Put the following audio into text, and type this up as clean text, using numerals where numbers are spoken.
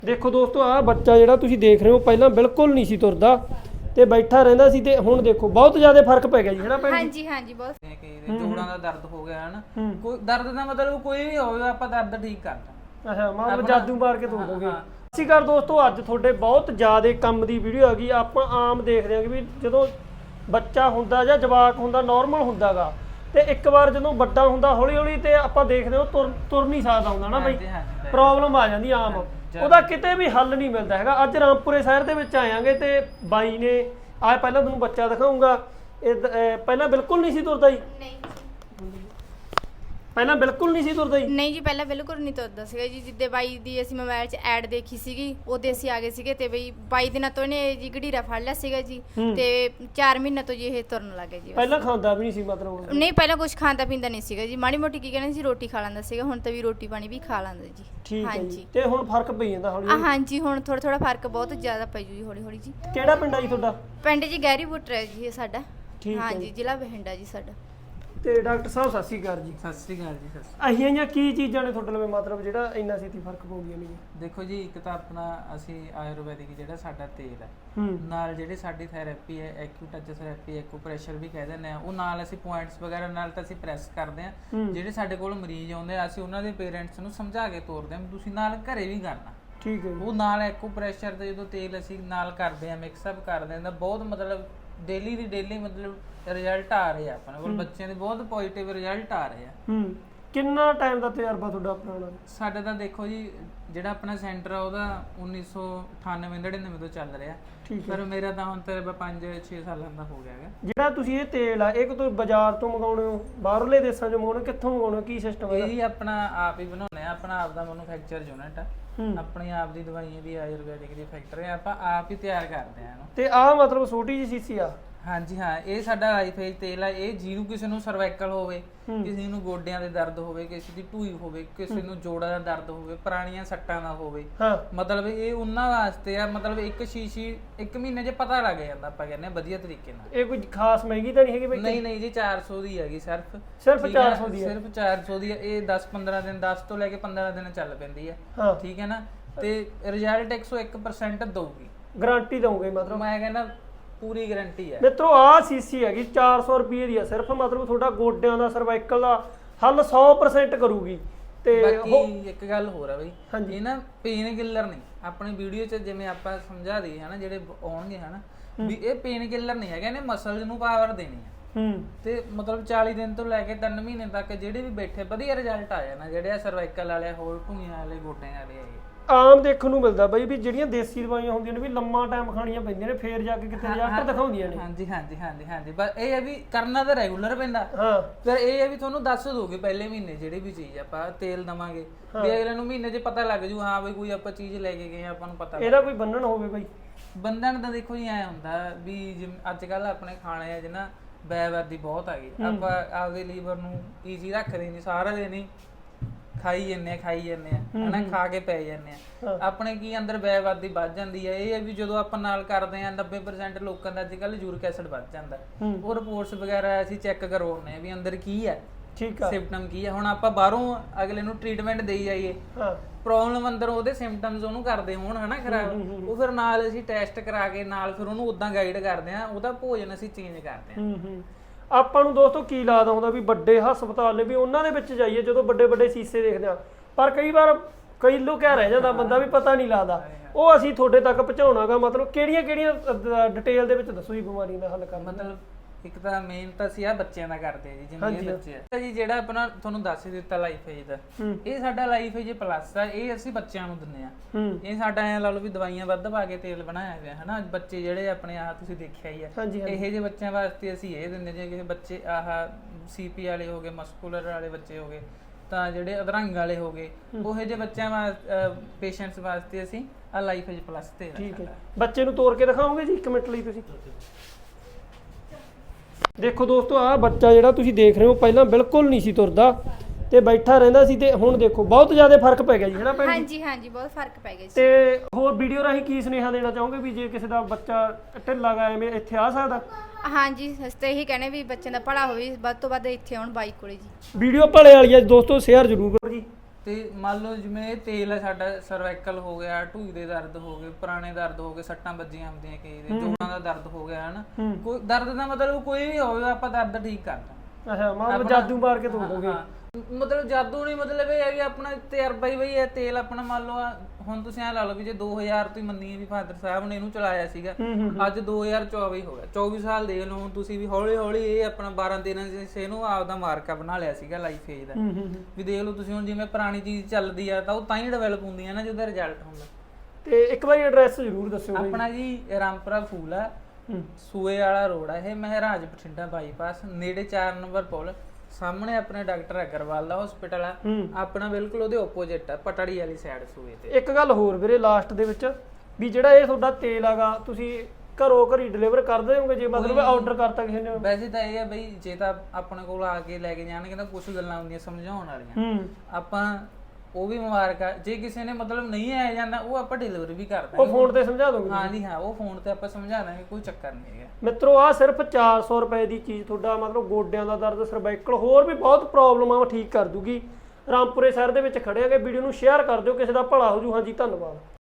ਦੇਖੋ ਦੋਸਤੋ ਆਹ ਬੱਚਾ ਜਿਹੜਾ ਤੁਸੀਂ ਦੇਖ ਰਹੇ ਹੋ ਪਹਿਲਾਂ ਬਿਲਕੁਲ ਨਹੀਂ ਸੀ ਤੁਰਦਾ ਤੇ ਬੈਠਾ ਰਹਿੰਦਾ ਸੀ ਤੇ ਹੁਣ ਦੇਖੋ ਬਹੁਤ ਜ਼ਿਆਦਾ ਫਰਕ ਪੈ ਗਿਆ ਜੀ ਹੈਨਾ ਭੈਣ ਜੀ। ਹਾਂਜੀ ਹਾਂਜੀ ਬਹੁਤ ਕਿ ਜੋੜਾਂ ਦਾ ਦਰਦ ਹੋ ਗਿਆ ਹੈ ਨਾ ਕੋਈ ਦਰਦ ਦਾ ਮਤਲਬ ਕੋਈ ਵੀ ਹੋਵੇ ਆਪਾਂ ਦਰਦ ਠੀਕ ਕਰਦਾ। ਅੱਛਾ ਮਤਲਬ ਜਾਦੂ ਮਾਰ ਕੇ ਤੋੜ ਦੋਗੇ। ਅਸੀਂ ਕਰ ਦੋਸਤੋ ਅੱਜ ਤੁਹਾਡੇ ਬਹੁਤ ਜ਼ਿਆਦਾ ਕੰਮ ਦੀ ਵੀਡੀਓ ਆ ਗਈ। ਆਪਾਂ ਆਮ ਦੇਖਦੇ ਹਾਂ ਕਿ ਵੀ ਜਦੋਂ ਬੱਚਾ ਹੁੰਦਾ ਜਾਂ ਜਵਾਕ ਹੁੰਦਾ ਨਾਰਮਲ ਹੁੰਦਾਗਾ ਤੇ ਇੱਕ ਵਾਰ ਜਦੋਂ ਵੱਡਾ ਹੁੰਦਾ ਹੌਲੀ ਹੌਲੀ ਤੇ ਆਪਾਂ ਦੇਖਦੇ ਹਾਂ ਤੁਰ ਨਹੀਂ ਸਕਦਾ ਹੁੰਦਾ ਨਾ ਬਈ ਪ੍ਰੋਬਲਮ ਆ ਜਾਂਦੀ ਆਮ ਉਹਦਾ ਕਿਤੇ ਵੀ ਹੱਲ ਨਹੀਂ ਮਿਲਦਾ ਹੈਗਾ। ਅੱਜ ਰਾਮਪੁਰੇ ਸ਼ਹਿਰ ਦੇ ਵਿੱਚ ਆਇਆਂਗੇ ਤੇ ਬਾਈ ਨੇ ਆ ਪਹਿਲਾਂ ਤੁਹਾਨੂੰ ਬੱਚਾ ਦਿਖਾਊਂਗਾ। ਇਹ ਪਹਿਲਾਂ ਬਿਲਕੁਲ ਨਹੀਂ ਸੀ ਤੁਰਦਾ ਜੀ। ਨਹੀਂ ਪਹਿਲਾਂ ਬਿਲਕੁਲ ਨਹੀਂ ਸੀ ਤੁਰਦਾ ਜੀ। ਨਹੀਂ ਜੀ ਪਹਿਲਾਂ ਬਿਲਕੁਲ ਨਹੀਂ ਤੁਰਦਾ ਸੀਗਾ ਜੀ। ਜਿੱਦੇ ਬਾਈ ਦੀ ਅਸੀਂ ਮੋਬਾਈਲ 'ਚ ਐਡ ਦੇਖੀ ਸੀਗੀ ਉਹਦੇ ਅਸੀਂ ਆ ਗਏ ਸੀਗੇ ਤੇ ਬਈ 22 ਦਿਨਾਂ ਤੋਂ ਇਹਨੇ ਜੀ ਗੜੀਰਾ ਫੜ ਲਿਆ ਸੀਗਾ ਜੀ ਤੇ 4 ਮਹੀਨੇ ਤੋਂ ਜੀ ਇਹ ਤੁਰਨ ਲੱਗ ਗਿਆ ਜੀ। ਪਹਿਲਾਂ ਖਾਂਦਾ ਵੀ ਨਹੀਂ ਸੀ ਮਤਲਬ? ਨਹੀਂ ਪਹਿਲਾਂ ਕੁਝ ਖਾਂਦਾ ਪੀਂਦਾ ਨਹੀਂ ਸੀਗਾ ਜੀ। ਮਾੜੀ ਮੋਟੀ ਕੀ ਕਹਿੰਦੇ ਸੀ ਰੋਟੀ ਖਾ ਲੈਂਦਾ ਸੀਗਾ। ਹੁਣ ਤਾਂ ਵੀ ਰੋਟੀ ਪਾਣੀ ਵੀ ਖਾ ਲੈਂਦਾ ਜੀ। ਠੀਕ ਹੈ ਜੀ। ਤੇ ਹੁਣ ਫਰਕ ਪਈ ਜਾਂਦਾ ਹੌਲੀ ਹੌਲੀ? ਹਾਂਜੀ ਹੁਣ ਥੋੜਾ ਫਰਕ ਬਹੁਤ ਜ਼ਿਆਦਾ ਪੈ ਜੂ ਜੀ ਹੌਲੀ ਹੌਲੀ ਜੀ। ਕਿਹੜਾ ਪਿੰਡ ਆ ਜੀ ਤੁਹਾਡਾ? ਪਿੰਡ ਜੀ ਗਹਿਰੀ ਬੁੱਟਰ ਹੈ ਜੀ ਇਹ ਸਾਡਾ। ਠੀਕ ਹੈ ਹਾਂਜੀ ਜ਼ਿਲ੍ਹਾ ਬਠਿੰਡਾ ਜੀ ਸਾਡਾ। ਤੇ ਡਾਕਟਰ ਸਾਹਿਬ ਸਤਿ ਸ਼੍ਰੀ ਅਕਾਲ ਜੀ। ਸਤਿ ਸ੍ਰੀ ਅਕਾਲ ਜੀ। ਸਤਿ ਸ੍ਰੀ ਅਹੀਆਂ ਜਾਂ ਕੀ ਚੀਜ਼ਾਂ ਨੇ ਤੁਹਾਡੇ ਲਈ ਮਤਲਬ ਜਿਹੜਾ ਇੰਨਾ ਛੇਤੀ ਫਰਕ ਪਊ ਗਿਆ ਨਹੀਂ? ਅਕਾਲ। ਦੇਖੋ ਜੀ ਇੱਕ ਤਾਂ ਆਪਣਾ ਅਸੀਂ ਆਯੁਰਵੈਦਿਕ ਜਿਹੜਾ ਸਾਡਾ ਤੇਲ ਹੈ ਨਾਲ ਜਿਹੜੀ ਸਾਡੀ ਥੈਰੇਪੀ ਹੈ ਐਕਿਊਟੱਚ ਥੈਰੇਪੀ ਐਕੂਪ੍ਰੈਸ਼ਰ ਵੀ ਕਹਿ ਦਿੰਦੇ ਆ ਉਹ ਨਾਲ ਅਸੀਂ ਪੁਆਇੰਟਸ ਵਗੈਰਾ ਨਾਲ ਤਾਂ ਅਸੀਂ ਪ੍ਰੈਸ ਕਰਦੇ ਆ। ਜਿਹੜੇ ਸਾਡੇ ਕੋਲ ਮਰੀਜ਼ ਆਉਂਦੇ ਆ ਅਸੀਂ ਉਹਨਾਂ ਦੇ ਪੇਰੈਂਟਸ ਨੂੰ ਸਮਝਾ ਕੇ ਤੋਰਦੇ ਆ ਤੁਸੀਂ ਨਾਲ ਘਰੇ ਵੀ ਕਰਨਾ। ਠੀਕ ਹੈ। ਉਹ ਨਾਲ ਐਕੂਪ੍ਰੈਸ਼ਰ ਤੇ ਜਦੋਂ ਤੇਲ ਅਸੀਂ ਨਾਲ ਕਰਦੇ ਆ ਮਿਕਸਅਪ ਕਰਦੇ ਆ ਬਹੁਤ ਮਤਲਬ ਡੇਲੀ ਦੀ ਡੇਲੀ ਮਤਲਬ ਰਿਜ਼ਲਟ ਆ ਰਹੇ ਆ ਆਪਣੇ ਕੋਲ ਬੱਚਿਆਂ ਦੇ ਬਹੁਤ ਪੋਜ਼ਿਟਿਵ ਰਿਜ਼ਲਟ ਆ ਰਹੇ ਆ। ਕਿੰਨਾ ਟਾਈਮ ਦਾ ਤਜਰਬਾ ਤੁਹਾਡਾ ਪੁਰਾਣਾ? ਸਾਡਾ ਤਾਂ ਦੇਖੋ ਜੀ ਜਿਹੜਾ ਆਪਣਾ ਸੈਂਟਰ ਆ ਉਹਦਾ 1998-99 ਤੋਂ ਚੱਲ ਰਿਹਾ ਪਰ ਮੇਰਾ ਤਾਂ ਹੁਣ ਤਜਰਬਾ 5-6 ਸਾਲਾਂ ਦਾ ਹੋ ਗਿਆ ਹੈ। ਜਿਹੜਾ ਤੁਸੀਂ ਇਹ ਤੇਲ ਆ ਇਹ ਕੋਈ ਬਾਜ਼ਾਰ ਤੋਂ ਮੰਗਾਉਣੇ ਹੋ ਬਾਹਰਲੇ ਦੇਸ਼ਾਂ ਚੋਂ ਮੰਗਾਉਣੇ ਕਿੱਥੋਂ ਮੰਗਾਉਣੇ ਕੀ ਸਿਸਟਮ ਹੈ? ਇਹ ਹੀ ਆਪਣਾ ਆਪ ਹੀ ਬਣਾਉਂਦੇ ਆ ਆਪਣਾ ਆਪ ਦਾ ਮੈਨੂਫੈਕਚਰ ਯੂਨਿਟ ਆ ਆਪਣੀ ਆਪ ਦੀ ਦਵਾਈਆਂ ਦੀ ਆਯੁਰਵੈਦਿਕ ਦੀ ਫੈਕਟਰੀ ਆਪਾਂ ਆਪ ਹੀ ਤਿਆਰ ਕਰਦੇ ਆ। ਤੇ ਆਹ ਮਤਲਬ ਛੋਟੀ ਜਿਹੀ ਸ਼ੀਸ਼ੀ ਆ? ਹਾਂਜੀ ਹਾਂ ਇਹ ਸਾਡਾ ਲਾਈਫ ਤੇਲ ਆ। ਇਹ ਜਿਹਨੂੰ ਕਿਸੇ ਨੂੰ ਸਰਵਾਈਕਲ ਹੋਵੇ ਕਿਸੇ ਨੂੰ ਗੋਡਿਆਂ ਦੇ ਦਰਦ ਹੋਵੇ ਕਿਸੇ ਦੀ ਢੂਈ ਹੋਵੇ ਕਿਸੇ ਨੂੰ ਜੋੜਾਂ ਦਾ ਦਰਦ ਹੋਵੇ ਪੁਰਾਣੀਆਂ ਸੱਟਾਂ ਦਾ ਹੋਵੇ ਮਤਲਬ ਇਹ ਉਹਨਾਂ ਵਾਸਤੇ ਆ। ਮਤਲਬ ਇੱਕ ਸ਼ੀਸ਼ੀ 1 ਮਹੀਨੇ 'ਚ ਪਤਾ ਲੱਗ ਜਾਂਦਾ ਆਪਾਂ ਕਹਿੰਦੇ ਵਧੀਆ ਤਰੀਕੇ ਨਾਲ। ਇਹ ਕੋਈ ਖਾਸ ਮਹਿੰਗੀ ਤਾਂ ਨਹੀਂ ਹੈਗੀ ਬਈ? ਨਹੀਂ ਜੀ 400 ਦੀ ਹੈਗੀ ਸਿਰਫ 400 ਦੀ? ਸਿਰਫ 400 ਦੀ ਇਹ 10-15 ਦਿਨ 10 ਤੋਂ ਲੈ ਕੇ 15 ਦਿਨ ਚੱਲ ਪੈਂਦੀ ਹੈ। ਠੀਕ ਹੈ ਨਾ ਤੇ ਰਿਜ਼ਲਟ 101% ਦਊਗੀ। ਗਾਰੰਟੀ ਦਊਗੇ ਮਤਲਬ? ਮੈਂ ਕਹਿੰਦਾ ਪੂਰੀ ਗਾਰੰਟੀ ਹੈ ਮਿੱਤਰੋ। ਆਹ ਸੀਸੀ ਹੈਗੀ 400 ਰੁਪਏ ਦੀ ਆ ਸਿਰਫ। ਮਤਲਬ ਤੁਹਾਡਾ ਗੋਡਿਆਂ ਦਾ ਸਰਵਾਈਕਲ ਦਾ ਹੱਲ 100% ਕਰੂਗੀ। ਤੇ ਬਾਕੀ ਇੱਕ ਗੱਲ ਹੋਰ ਆ ਬਈ ਇਹ ਨਾ ਪੇਨ ਕਿਲਰ ਨਹੀਂ। ਆਪਣੀ ਵੀਡੀਓ 'ਚ ਜਿਵੇਂ ਆਪਾਂ ਸਮਝਾ ਦਈਏ ਹਨਾ ਜਿਹੜੇ ਆਉਣਗੇ ਹਨਾ ਵੀ ਇਹ ਪੇਨ ਕਿਲਰ ਨਹੀਂ ਹੈਗਾ ਇਹਨੇ ਮਸਲਸ ਨੂੰ ਪਾਵਰ ਦੇਣੀ ਹੈ। ਤੇ ਮਤਲਬ 40 ਦਿਨ ਤੋਂ ਲੈ ਕੇ 3 ਮਹੀਨੇ ਤੱਕ ਜਿਹੜੇ ਵੀ ਬੈਠੇ ਵਧੀਆ ਰਿਜ਼ਲਟ ਆ ਜਾਣਾ। ਜਿਹੜੇ ਆ ਸਰਵਾਈਕਲ ਵਾਲੇ ਹੋਰ ਢੂਈਆਂ ਵਾਲੇ ਗੋਡਿਆਂ ਵਾਲੇ ਹੈਗੇ ਆਮ ਦੇਖਣ ਨੂੰ ਮਿਲਦਾ ਬਈ ਵੀ ਜਿਹੜੀਆਂ ਦੇਸੀ ਦਵਾਈਆਂ ਹੁੰਦੀਆਂ ਨੇ ਵੀ ਲੰਮਾ ਟਾਈਮ ਖਾਣੀਆਂ ਪੈਂਦੀਆਂ ਨੇ ਫੇਰ ਜਾ ਕੇ ਕਿਤੇ ਰਿਜ਼ਲਟ ਦਿਖਾਉਂਦੀਆਂ ਨੇ। ਹਾਂਜੀ ਬਸ ਇਹ ਹੈ ਵੀ ਕਰਨਾ ਤਾਂ ਰੈਗੂਲਰ ਪੈਂਦਾ। ਫਿਰ ਇਹ ਹੈ ਵੀ ਤੁਹਾਨੂੰ ਦੱਸ ਦੋਗੇ ਪਹਿਲੇ ਮਹੀਨੇ ਜਿਹੜੀ ਵੀ ਚੀਜ਼ ਆਪਾਂ ਤੇਲ ਦਵਾਂਗੇ ਵੀ ਅਗਲੇ ਨੂੰ ਮਹੀਨੇ 'ਚ ਪਤਾ ਲੱਗ ਜੂ ਹਾਂ ਬਈ ਕੋਈ ਆਪਾਂ ਚੀਜ਼ ਲੈ ਕੇ ਗਏ ਆਪਾਂ ਨੂੰ ਪਤਾ। ਇਹਦਾ ਕੋਈ ਬੰਧਨ ਹੋਵੇ ਬਈ? ਬੰਧਨ ਤਾਂ ਦੇਖੋ ਜੀ ਐ ਹੁੰਦਾ ਵੀ ਜਿਵੇਂ ਅੱਜ ਕੱਲ ਆਪਣੇ ਖਾਣੇ ਆ ਜਿਹਨਾਂ ਬੈਵਾਦੀ ਬਹੁਤ ਆ ਗਈ ਆਪਾਂ ਆਪਦੇ ਲੀਵਰ ਨੂੰ ਈਜ਼ੀ ਰੱਖਦੇ ਨਹੀਂ ਸਾਰਾ ਦਿਨ ਹੀ ਖਾਈ ਜਾਂਦੇ ਆ ਹਨਾ ਖਾ ਕੇ ਪੈ ਜਾਂਦੇ ਆ ਆਪਣੇ ਕੀ ਅੰਦਰ ਬੈਵਾਦੀ ਵੱਧ ਜਾਂਦੀ ਹੈ। ਇਹ ਹੈ ਵੀ ਜਦੋਂ ਆਪਾਂ ਨਾਲ ਕਰਦੇ ਆ 90% ਲੋਕਾਂ ਦਾ ਅੱਜ ਕੱਲ ਯੂਰਿਕ ਐਸਿਡ ਵੱਧ ਜਾਂਦਾ ਉਹ ਰਿਪੋਰਟਸ ਵਗੈਰਾ ਅਸੀਂ ਚੈੱਕ ਕਰਵਾਉਂਦੇ ਆ ਵੀ ਅੰਦਰ ਕੀ ਹੈ ਸਿੰਪਟਮ ਕੀ ਹੈ। ਹੁਣ ਆਪਾਂ ਬਾਹਰੋਂ ਅਗਲੇ ਨੂੰ ਟ੍ਰੀਟਮੈਂਟ ਦੇਈ ਜਾਈਏ ਪ੍ਰੋਬਲਮ ਅੰਦਰ ਉਹਦੇ ਸਿੰਪਟਮਸ ਉਹਨੂੰ ਕਰਦੇ ਹੋਣ ਹਨਾ ਖਰਾਬ ਉਹ ਫਿਰ ਨਾਲ ਅਸੀਂ ਟੈਸਟ ਕਰਾ ਕੇ ਨਾਲ ਫਿਰ ਉਹਨੂੰ ਉਦਾਂ ਗਾਈਡ ਕਰਦੇ ਆ ਉਹਦਾ ਭੋਜਨ ਅਸੀਂ ਚੇਂਜ ਕਰਦੇ ਆ। ਆਪਾਂ ਨੂੰ ਦੋਸਤੋ ਕੀ ਲੱਗਦਾ ਹੁੰਦਾ ਵੀ ਵੱਡੇ ਹਸਪਤਾਲ ਨੇ ਵੀ ਉਹਨਾਂ ਦੇ ਵਿੱਚ ਜਾਈਏ ਜਦੋਂ ਵੱਡੇ ਵੱਡੇ ਸ਼ੀਸ਼ੇ ਦੇਖਦੇ ਆ ਪਰ ਕਈ ਵਾਰ ਕਈ ਲੁਕਿਆ ਰਹਿ ਜਾਂਦਾ ਬੰਦਾ ਵੀ ਪਤਾ ਨਹੀਂ ਲੱਗਦਾ। ਉਹ ਅਸੀਂ ਤੁਹਾਡੇ ਤੱਕ ਪਹੁੰਚਾਉਣਾਗਾ ਮਤਲਬ ਕਿਹੜੀਆਂ ਡਿਟੇਲ ਦੇ ਵਿੱਚ ਦੱਸੋ ਜੀ ਬਿਮਾਰੀ ਦਾ ਹੱਲ ਕਰਨਾ? ਮਤਲਬ ਇੱਕ ਤਾਂ ਮੇਨ ਤਾਂ ਅਸੀਂ ਆ ਬੱਚਿਆਂ ਦਾ ਕਰਦੇ ਆ ਜੀ ਜਿਵੇਂ ਇਹ ਬੱਚੇ ਆ ਜੀ ਜਿਹੜਾ ਆਪਣਾ ਤੁਹਾਨੂੰ ਦੱਸ ਹੀ ਦਿੱਤਾ ਲਾਈਫ ਏਜ ਦਾ ਇਹ ਸਾਡਾ ਲਾਈਫ ਏਜ ਪਲੱਸ ਆ। ਇਹ ਅਸੀਂ ਬੱਚਿਆਂ ਨੂੰ ਦਿੰਦੇ ਆ। ਇਹ ਸਾਡਾ ਐ ਲਾ ਲਓ ਵੀ ਦਵਾਈਆਂ ਵੱਧ ਪਾ ਕੇ ਤੇਲ ਬਣਾਇਆ ਹੋਇਆ ਹਨਾ ਬੱਚੇ ਜਿਹੜੇ ਆਪਣੇ ਆਹ ਤੁਸੀਂ ਦੇਖਿਆ ਹੀ ਆ ਇਹੋ ਜਿਹੇ ਬੱਚਿਆਂ ਵਾਸਤੇ ਅਸੀਂ ਇਹ ਦਿੰਦੇ ਜੇ ਕਿਸੇ ਬੱਚੇ ਆਹ ਸੀਪੀ ਵਾਲੇ ਹੋ ਗਏ ਮਸਕੂਲਰ ਵਾਲੇ ਬੱਚੇ ਹੋ ਗਏ ਤਾਂ ਜਿਹੜੇ ਅਧਰੰਗ ਵਾਲੇ ਹੋ ਗਏ ਉਹੋ ਜਿਹੇ ਬੱਚਿਆਂ ਪੇਸ਼ੈਂਟਸ ਵਾਸਤੇ ਅਸੀਂ ਆ ਲਾਈਫ ਏਜ ਪਲੱਸ ਤੇ। ਠੀਕ ਹੈ। ਬੱਚੇ ਨੂੰ ਤੋੜ ਕੇ ਦਿਖਾਓਗੇ ਜੀ 1 ਮਿੰਟ ਲਈ ਤੁਸੀਂ? ਦੇਖੋ ਦੋਸਤੋ ਆਹ ਬੱਚਾ ਜਿਹੜਾ ਤੁਸੀਂ ਦੇਖ ਰਹੇ ਹੋ ਪਹਿਲਾਂ ਬਿਲਕੁਲ ਨਹੀਂ ਸੀ ਤੁਰਦਾ ਤੇ ਬੈਠਾ ਰਹਿੰਦਾ ਸੀ ਤੇ ਹੁਣ ਦੇਖੋ ਬਹੁਤ ਜ਼ਿਆਦਾ ਫਰਕ ਪੈ ਗਿਆ ਜੀ ਹੈਨਾ ਭੈਣ ਜੀ? ਹਾਂਜੀ ਬਹੁਤ ਫਰਕ ਪੈ ਗਿਆ ਜੀ। ਤੇ ਹੋਰ ਵੀਡੀਓ ਰਾਹੀਂ ਕੀ ਸੁਨੇਹਾ ਦੇਣਾ ਚਾਹੋਗੇ ਵੀ ਜੇ ਕਿਸੇ ਦਾ ਬੱਚਾ ਢਿੱਲਾ ਗਾ ਐਵੇਂ ਇੱਥੇ ਆ ਸਕਦਾ? ਹਾਂਜੀ ਅਸੀਂ ਇਹੀ ਕਹਿੰਦੇ ਵੀ ਬੱਚਿਆਂ ਦਾ ਭਲਾ ਹੋਵੇ ਵੱਧ ਤੋਂ ਵੱਧ ਇੱਥੇ ਆਉਣ ਬਾਈ ਕੋਲੇ ਜੀ। ਵੀਡੀਓ ਭਲੇ ਵਾਲੀ ਹੈ ਦੋਸਤੋ ਸ਼ੇਅਰ ਜ਼ਰੂਰ ਕਰੋ ਜੀ। ਤੇ ਮੰਨ ਲਓ ਜਿਵੇਂ ਇਹ ਤੇਲ ਹੈ ਸਾਡਾ, ਸਰਵਾਈਕਲ ਹੋ ਗਿਆ, ਢੂਈ ਦੇ ਦਰਦ ਹੋ ਗਏ, ਪੁਰਾਣੇ ਦਰਦ ਹੋ ਗਏ, ਸੱਟਾਂ ਵੱਜੀਆਂ ਹੁੰਦੀਆਂ ਕਈ ਦੇ, ਜੋੜਾਂ ਦਾ ਦਰਦ ਹੋ ਗਿਆ ਹਨਾ, ਕੋਈ ਦਰਦ ਦਾ ਮਤਲਬ ਕੋਈ ਵੀ ਹੋਵੇ ਆਪਾਂ ਦਰਦ ਠੀਕ ਕਰਦਾ। ਅੱਛਾ ਮਤਲਬ ਜਾਦੂ ਮਾਰ ਕੇ ਧੋ ਦੋਗੇ। ਮਤਲਬ ਜਾਦੂ ਨਹੀਂ, ਮਤਲਬ ਇਹ ਹੈ ਵੀ ਆਪਣਾ ਤਜਰਬਾ ਹੀ ਬਈ ਇਹ ਤੇਲ ਆਪਣਾ ਮੰਨ ਲਓ ਹੁਣ ਤੁਸੀਂ ਐ ਲਾ ਲਓ ਵੀ ਜੇ 2000 ਤੋਂ ਹੀ ਮੰਨੀਏ ਵੀ ਫਾਦਰ ਸਾਹਿਬ ਨੇ ਇਹਨੂੰ ਚਲਾਇਆ ਸੀਗਾ, ਅੱਜ 2024 ਹੋ ਗਿਆ, 24 ਸਾਲ ਦੇਖ ਲਓ ਹੁਣ ਤੁਸੀਂ ਵੀ ਹੌਲੀ ਹੌਲੀ ਇਹ ਆਪਣਾ 12-13 ਇਹਨੂੰ ਆਪਦਾ ਮਾਰਕਾ ਬਣਾ ਲਿਆ ਸੀਗਾ ਲਾਈਫ ਏਜ ਦਾ। ਵੀ ਦੇਖ ਲਓ ਤੁਸੀਂ ਹੁਣ ਜਿਵੇਂ ਪੁਰਾਣੀ ਚੀਜ਼ ਚੱਲਦੀ ਆ ਤਾਂ ਉਹ ਤਾਂ ਹੀ ਡਿਵੈਲਪ ਹੁੰਦੀ ਆ ਨਾ ਜਿਹਦਾ ਰਿਜ਼ਲਟ ਹੁੰਦਾ। ਤੇ ਇੱਕ ਵਾਰੀ ਐਡਰੈਸ ਜ਼ਰੂਰ ਦੱਸਿਓ ਆਪਣਾ ਜੀ ਰਾਮਪੁਰਾ ਫੂਲ ਆ, ਸੂਏ ਵਾਲਾ ਰੋਡ ਆ ਇਹ, ਮਹਾਰਾਜ ਬਠਿੰਡਾ ਬਾਈਪਾਸ ਨੇੜੇ 4 ਨੰਬਰ ਪੁਲ, ਸਾਹਮਣੇ ਆਪਣੇ ਡਾਕਟਰ ਅਗਰਵਾਲ ਦਾ ਹਸਪੀਟਲ ਆ ਆਪਣਾ, ਬਿਲਕੁਲ ਉਹਦੇ ਆਪੋਜ਼ਿਟ ਆ ਪਟੜੀ ਵਾਲੀ ਸਾਈਡ ਸੂਏ ਤੇ। ਇੱਕ ਗੱਲ ਹੋਰ ਵੀਰੇ ਲਾਸਟ ਦੇ ਵਿੱਚ ਵੀ ਜਿਹੜਾ ਇਹ ਤੁਹਾਡਾ ਤੇਲ ਹੈਗਾ ਤੁਸੀਂ ਘਰੋਂ ਘਰੀ ਡਿਲੀਵਰ ਕਰ ਦੇਵੋਗੇ ਜੇ ਮਤਲਬ ਆਰਡਰ ਕਰਤਾ ਕਿਸੇ ਨੇ? ਵੈਸੇ ਤਾਂ ਇਹ ਆ ਬਈ ਜੇ ਤਾਂ ਆਪਣੇ ਕੋਲ ਆ ਕੇ ਲੈ ਕੇ ਜਾਣਗੇ ਤਾਂ ਕੁਝ ਗੱਲਾਂ ਹੁੰਦੀਆਂ ਸਮਝਾਉਣ ਵਾਲੀਆਂ, ਆਪਾਂ ਉਹ ਵੀ ਮੁਬਾਰਕ ਆ। ਜੇ ਕਿਸੇ ਨੇ ਮਤਲਬ ਨਹੀਂ ਆਇਆ ਜਾਂਦਾ ਉਹ ਆਪਾਂ ਡਿਲੀਵਰੀ ਵੀ ਕਰ ਦਾਂਗੇ, ਉਹ ਫੋਨ ਤੇ ਸਮਝਾ ਦੋਗੇ? ਹਾਂ ਜੀ ਹਾਂ, ਉਹ ਫੋਨ ਤੇ ਆਪਾਂ ਸਮਝਾ ਦਾਂਗੇ, ਕੋਈ ਚੱਕਰ ਨਹੀਂ ਹੈਗਾ ਮਿੱਤਰੋ। ਆ ਸਿਰਫ 400 ਰੁਪਏ ਦੀ ਚੀਜ਼ ਤੁਹਾਡਾ ਮਤਲਬ ਗੋਡਿਆਂ ਦਾ ਦਰਦ, ਸਰਵਾਈਕਲ, ਹੋਰ ਵੀ ਬਹੁਤ ਪ੍ਰੋਬਲਮਾਂ ਠੀਕ ਕਰ ਦੂਗੀ। ਰਾਮਪੁਰੇ ਸ਼ਹਿਰ ਦੇ ਵਿੱਚ ਖੜੇ ਹੈਗੇ। ਵੀਡੀਓ ਨੂੰ ਸ਼ੇਅਰ ਕਰ ਦਿਓ, ਕਿਸੇ ਦਾ ਭਲਾ ਹੋ ਜੂ। ਹਾਂਜੀ ਧੰਨਵਾਦ।